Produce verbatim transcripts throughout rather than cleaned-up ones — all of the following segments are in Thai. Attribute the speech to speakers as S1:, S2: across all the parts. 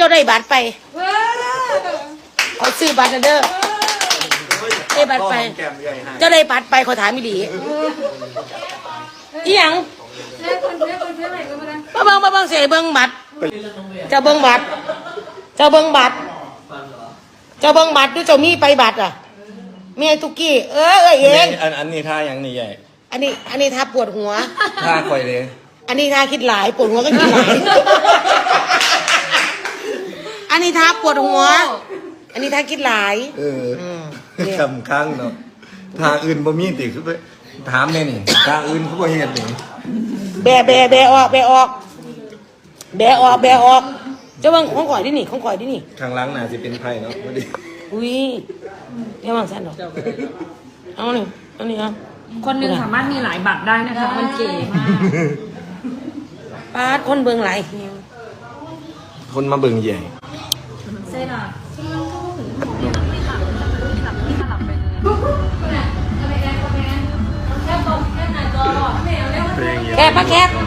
S1: าได้บัตรไปเขาซื้อบัตรนะเด้อได้บัตรไปเจ้าได้บัตรไปเขาถามไม่ดีอีหยังมาเบิ้งมาเบิ้งเสียเบิ้งบัตรเจ้าเบิ้งบัตรเจ้าเบิ้งบัตรเจ้าเบิ้งบัตรดูเจ้ามีไปบัตรอ่ะเมียทุกกี้เออเออเอง
S2: อันอันนี้ท่าอย่างนี้ใหญ่
S1: อันนี้อันนี้ท่าปวดหัว
S2: ท่าคอยเลย
S1: อันนี้ท่าคิดหลายปวดหัวก็คิดหลายอันนี้ท่าปวดหัวอันนี้ท่าคิดหลาย
S2: เออคำข้างเนาะท่าอื่นบ่มีติคือไปถามแน่นี่ท่าอื่นเขาบ่เฮ็ดนี่
S1: แบะแบะแบะออกแบะออกแบะออกแบะออกเจ้าบังของข่อยดินี่ของข่อยดินี่
S2: ข้างหลังน่าสิเป็นไผ่เนาะบ่ดี
S1: อุ้ยเจ้าบังสั่นดอกเอาหนึ่งอันนี้เอา
S3: คนหนึ่งสามารถมีหลายบัตรได้นะคะมันเก๋มาก
S1: ปาดคนเบิ่งหลาย
S2: คนมาเบิ่งใหญ่
S3: เซ่น่ะ
S1: แคบปะแคบ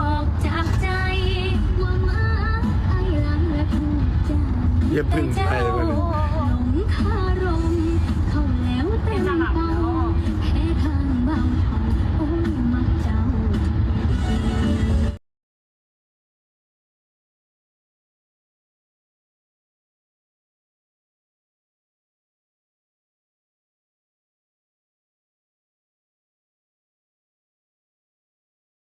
S2: อย่าพึ่งไป